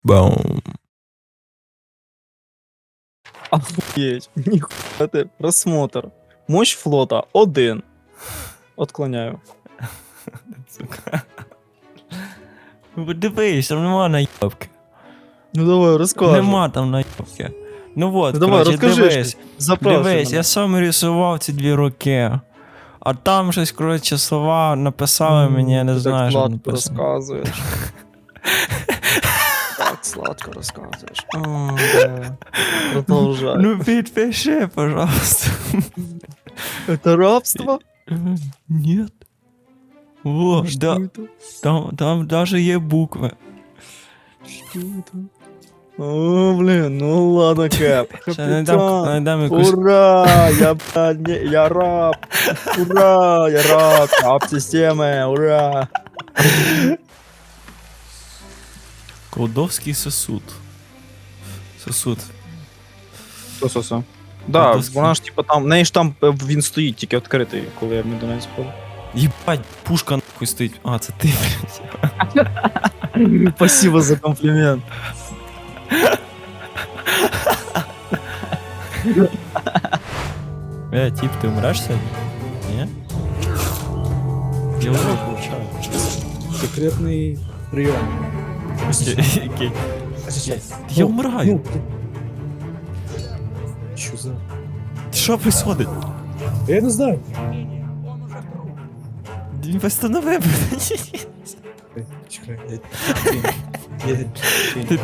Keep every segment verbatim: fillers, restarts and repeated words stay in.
Баум. Охуеть, ніхуя ти, просмотр. Мощь флота один. Отклоняю. Сука. Ну, дивись, там нема наїбки. Ну давай, розкажи. Нема там наїбки. Ну вот, Ну, давай, короче, розкажи дивись. щось. Запрошуй Дивись, мене. я сам рисував ці дві роки. А там щось, коротше, слова написали мені, я не Ти знаю, так що сладко написано. розказуєш. Так сладко розказуєш. О, да. Продовжай. Ну підпиши, пожалуйста. Это рабство? Нет. Во, Что да, это? там, там даже є букви. Что это? О, блин, ну ладно, Кэп. Ще найдем, Капитан. найдем якусь... Ура! Я, блядь, не, я раб! Ура! Я раб! Раб системы! Ура! Колдовський сосуд. Сосуд. Сосо. Да, Доски. вона ж типа там, в неї ж там е, він стоїть тільки відкритий, коли я в Мідонець спав. Єбать, пушка нахуй стоїть. А, це ти, блядь. Спасибо за комплімент. Е, тип, ти умреш сьогодні? Ні? Я вже получаю. Секретний прийом. Який? Я умираю. Що за? Що происходит? Я не знаю. Він восстановив. Чекай, я... я... я...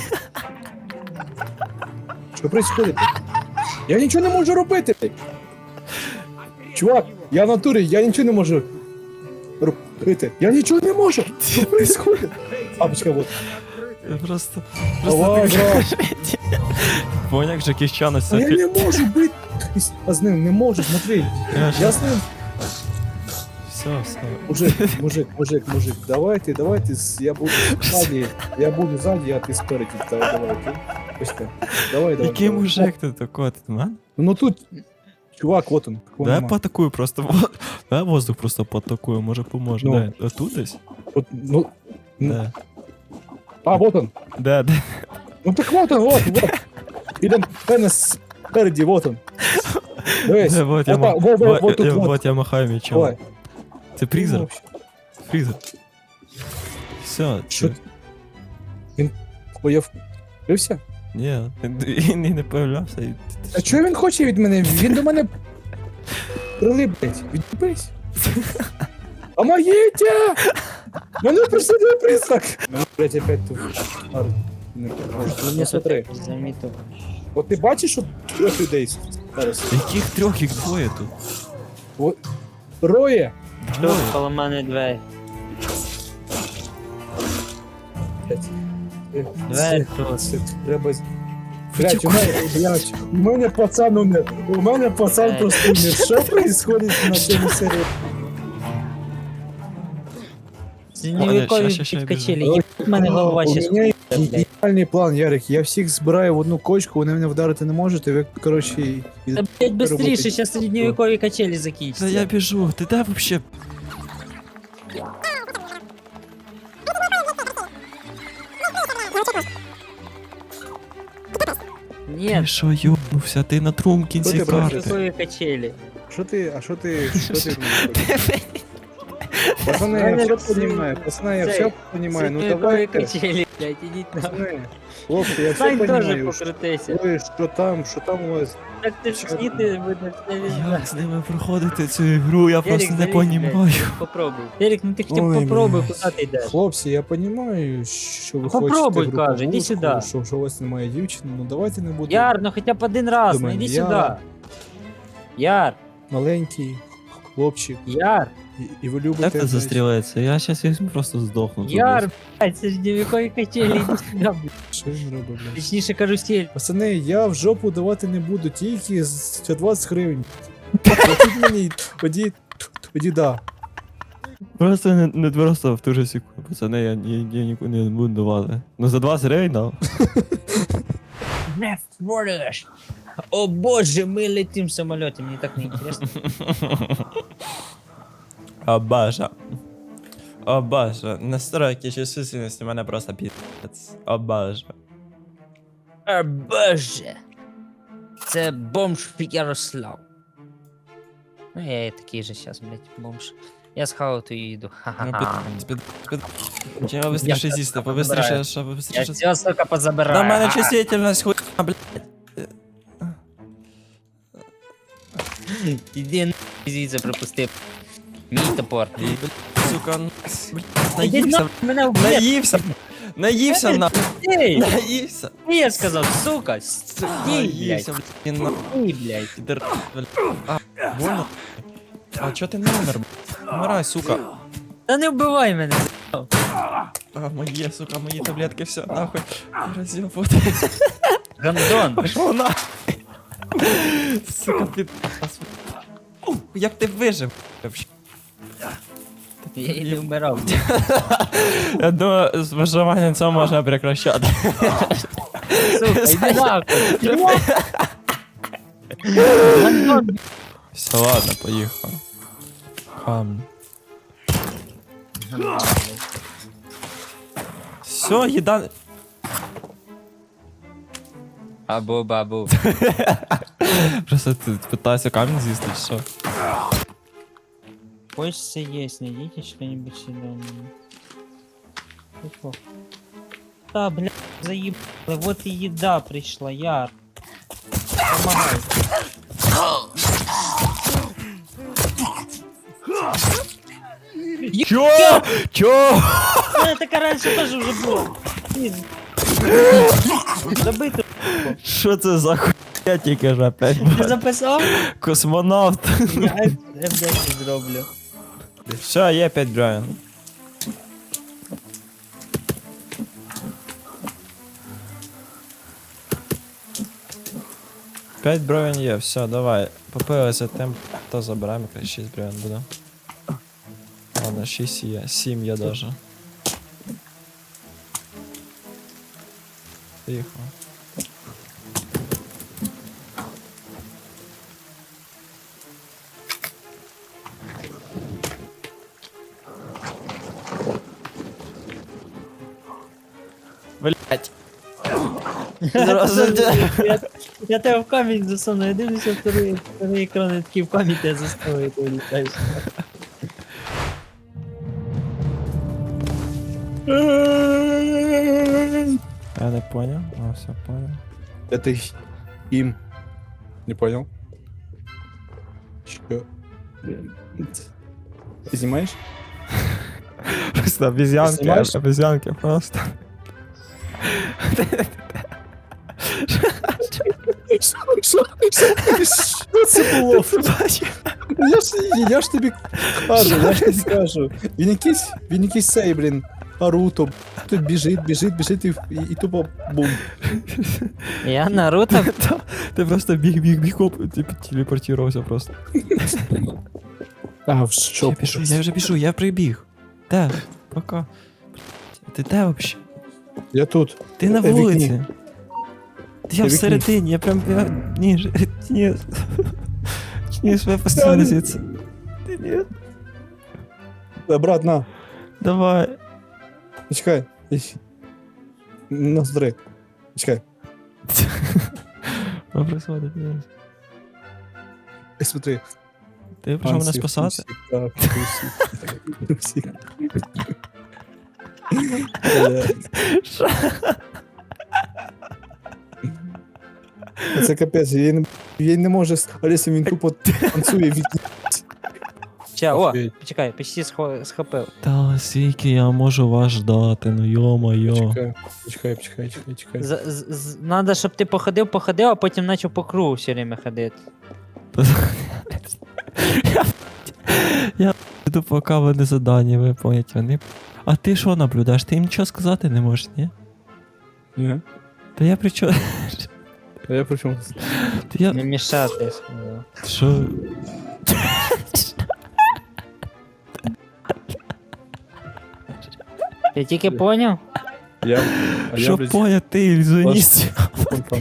Що происходит? Я нічого не можу робити. Чувак, я в натурі, я нічого не можу робити. Я нічого не можу. Що происходит? А, почекай, вот. Я просто... Давай, брат. Понял, як Джекі Чан ось А я це... не можу бити. А з ним не можу, смотри. Я з ним. Все, все. Мужик, мужик, мужик, мужик, давайте, давайте, с- я буду сзади, я буду сзади, а ты спереди, давай, давай, окей? Почекай. Давай, давай. Який давай. мужик ти такой, ти мен? Ну тут, чувак, вот он. такого Дай нема. поатакую просто. во- Дай воздух просто поатакую, може поможе. Ну. Дай. А тут десь? Вот, ну, ну, Де? а, вот он. Де, де? Ну так вот он, вот, вот. Или мене спереди, вот он. Дивись, Де, вот я вот, так, ма- вот, вот, вот- вот тут, я- вот. вот я махаю мечом. Давай. Це призер? Ну, Фрізер. Все, Що? це... Ой, я вкрився? Ні, він і не появлявся. І... А чого він хоче від мене? Він до мене прилипить. Відбись. Помогите! Мене преследує признак! Ну, блять, опять тут. Ар- не покажу. Ну, смотри. Замітив. От ти бачиш, що трьох людей зараз? Яких трьох, їх двоє тут? От. Троє! Тут коло мене двері. Блять. Е, Двері це- тут. це Треба... з- Блять, у мене, блять, у мене пацан умер. У мене пацан Е. просто умер. Що происходит на цьому серії? Средневекові ща, ща, ща, підкачелі. біжу. Їбать, в мене голова У ще мене блядь. ідеальний план, Ярик. Я всіх збираю в одну кочку, вони мене вдарити не можуть, і ви, коротше, і... Та блять быстріше, Роботи. зараз середньовекові качелі Та закінчаться. я біжу, ти де вообще? Ні, Ти що, йобнувся, ти на трум кінці Що ти, брат, карти. середньовекові качелі. Що ти, а що ти, що ти? Ти Пацани, я Мене все всі- понимаю, пацани, я цей, все понимаю, ну Середньовекові давайте, качелі, блять, ідіть на. пацани, хлопці, я все Сань теж понимаю, покрутися. що, що там, що там у вас, Так ти ж сніти, видно, все візна. Як з ними проходити цю ігру, я просто не залізь, понімаю. блядь, Попробуй. Ерік, ну ти хоча б Ой, попробуй, блядь. куди ти йдеш? хлопці, я понимаю, що ви Попробуй, хочете каже, іди груповушку, сюди. що, що у вас немає дівчини, ну давайте не будемо Яр, ну хоча б один раз, До ну мене. іди Я- сюди. Яр, маленький хлопчик, Яр, і, і ви любите... Як ти знаєш, застрілиться? Я щас візьму просто здохну. тут Яр, блядь, середньовекові качелі, іди сюди, блядь. Що він робить, блядь? Точніше карусель. Пацани, я в жопу давати не буду, тільки за двадцять гривень. Платіть мені, тоді, тоді да. десь. Просто не, не просто в ту же секунду. Пацани, я, я, я нікуди не буду давати. Ну за двадцять гривень дав. Не впориш. О боже, ми летим в самоліті, мені так не інтересно. Абажа. О боже, настройки чувствительності мене просто пі***ць. О боже. О боже. Це бомж Ярослав. Ну я і такий же щас, блядь, бомж. Я схавав ту їду. Ну, Ха-ха-ха. під, під, під. Чого быстріше з'їсти, побистріше, забираю. що Я побистріше. все, сука, позабираю. На мене А, чувствительність хуй, блядь. Іди на звідси пропусти. Мій топор. І, блядь, сука, н- блядь, Іди наївся, на мене вбив. наївся, наївся на, Ей, наївся. я сказав, сука, стій, Наївся, блядь, блядь, на, стій, блядь. підер, блядь. А, больно? А чо ти не умер, блядь? Умирай, сука. Та не вбивай мене. А, моє, сука, мої таблетки, все, нахуй. Роз'єбути. Гандон. Пошов на. Сука, під... Як ти вижив? вообще? Я і не вмирав. Я думаю, з виживанням цього можна прекращати. Сука, іди нахуй. Гандон. Все, ладно, поїхав. Хам. Все, їда... Абу, бабу. Просто ти питаєшся камінь з'їсти, чи що? Хочется есть, найдите что-нибудь съедобное. Тихо. Да, бля, заебало, вот и еда пришла, Яр. Помогай. Чо? Чо? Ну, это так раньше тоже уже было. Блин. Забыто. Що це за хуйня тільки ж опять? Ты записал? Космонавт. Я Эф десять зроблю. Все, є п'ять гривень. п'ять гривень є, все, давай. Попилися тим, то забираємо, якраз шість гривень буде. Ладно, шість є, сім є даже. Поїхали. Блять. Я, я тебе в камінь засуну, я дивлюся второй, второй екран, я такий в камінь тебе засуну, і ти вилітаєш. Я не понял, а все понял. Это их- им. Не понял? Чё? Ты снимаешь? Просто обезьянки, Снимаешь? обезьянки просто. Що це було? Я ж, я ж тобі кажу, я ж тобі кажу. Він якийсь, він якийсь цей, блін, Наруто. Тут біжить, біжить, біжить і, і, і тупо бум. Я Наруто? Та, Ти просто біг, біг, біг, оп, ти телепортувався просто. А, в що? Я біжу, я вже біжу, я прибіг. Де? Пока. Ти де вообще? Я тут. Ти на Е, вікні. вулиці. Я вікні. всередині, я прям я... Ні, ж- ні. Ні, я постійно звідси. Ти ні. Е, Брат, на, Давай. чекай. Ісь. Ноздри. Чекай. Що происходит? Ні. Ей, смотри. Ти прийшов мене спасати? Так, трусик. Трусик. Бля. Що? Це капець, він, він не може, Олеся, він тупо танцює від... Ча, о, Офігеть. почекай, почти схо- схопив. Та скільки я можу вас ждати, ну йо-моє. Чекай, чекай, чекай, чекай, чекай. З- з- з- Надо, щоб ти походив, походив, а потім почав по кругу все время ходити. Я йду по каване задання виповнять вони. А ти що наблюдаєш? Ти їм нічого сказати не можеш, ні? Ні. Та я при чому? А я при чому? Та я... Не мішати, я сказав. Що? Ти тільки поняв? Я, а я, Що блядь, поняв, ти ілюзіоніст? вон там.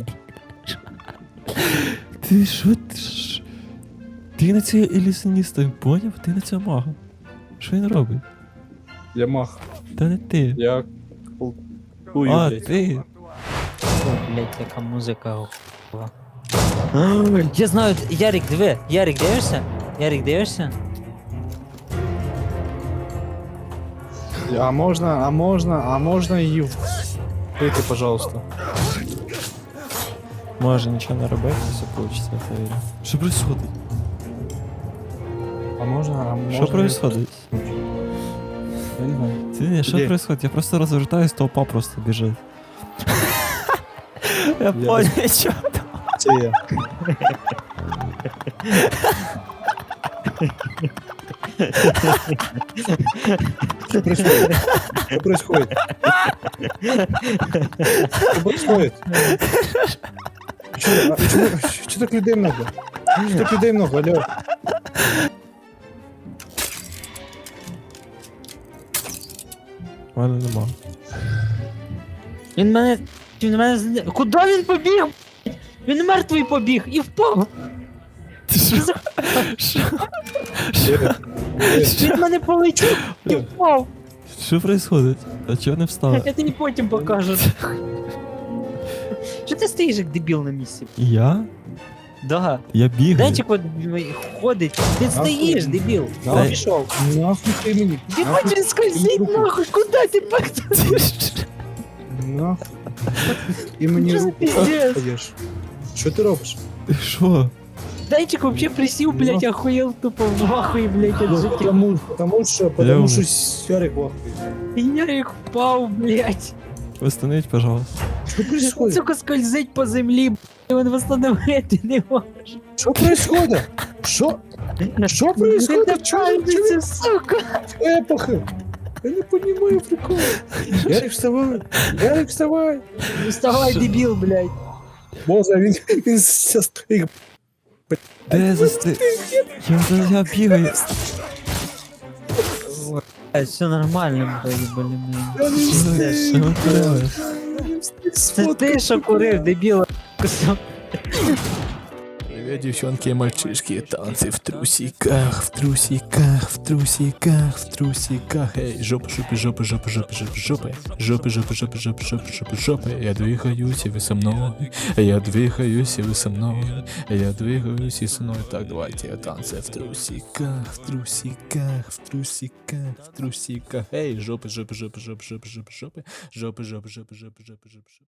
Ти що? Ти ж... Ти на цього ілюзіоніста поняв? Ти на цього мага. Що він робить? Я мах. Та не ти. Я кулкую, А, блядь. ти. О, блядь, яка музика. гова. Я знаю, Ярик, диви. Ярик, дивишся? Ярик, дивишся? А можна, а можна, а можна її вбити, пожалуйста. Може нічого не робити, все получится, я вірю. Що происходит? А можна, а можна... Що происходит? Я не знаю. Ти не, що Где? происходит? Я просто розвертаюсь, толпа просто біжить. Я без- понял, що. Це я. Что происходит? Что происходит? Что происходит? Че, а, чё- чё так людей много? Чё так людей много, алло? У мене нема. Він мене. Він мене. зне- Куди він побіг? Він мертвий побіг і впав. Ти що? Що? Привет. Привет. Він мене полетів і впав. Що происходит? А чого не встала? Я тобі потім покажу. Що ти стоїш як дебіл на місці? Я? Да. Я бігаю. Денчик от ходить. Ти стоїш, дебіл. Нахуй. О, пішов. Нахуй ты мне? Ти хочеш скользить нахуй, куди ти пак? Нахуй. И мне Що за руку пиздец? даешь. Что ты робишь? Ти що? Денчик вообще присів, блядь, охуєл тупо в ахуї, блядь, від Ну, життя. потому, потому что, Я потому умер. что Сярик вахует. І Ярик впав, блядь. Остановіть, пожалуйста. Что происходит? Сука, скользить по землі, блядь, він восстановити не може. Что происходит? Что? Что происходит? Что Це, сука. эпоха? Я не понимаю прикола. Ярик, вставай! Ярик, вставай! Вставай, дебіл, блядь. Боже, він, він сейчас їх Де засти? Я, я бігаю. Блядь, все нормально, блядь, блін. я не Що ви творили? Це ти, що курив, дебіл. Привет, девчонки и мальчишки, танцы в трусиках, в трусиках, в трусиках, в трусиках. Эй, жопа, жопа, жопа, жопа, жопа, жопа, жопа, жопа, жопа, жопа, жопа, жопа, жопа, жопа. Я двигаюсь, и вы со мной. Я двигаюсь, и вы со мной. Я двигаюсь, и со мной. Так, давайте танцы в трусиках, в трусиках, в трусиках, в трусиках. Эй, жопа, жопа, жопа, жопа, жопа, жопа, жопа, жопа, жопа, жопа, жопа, жопа, жопа.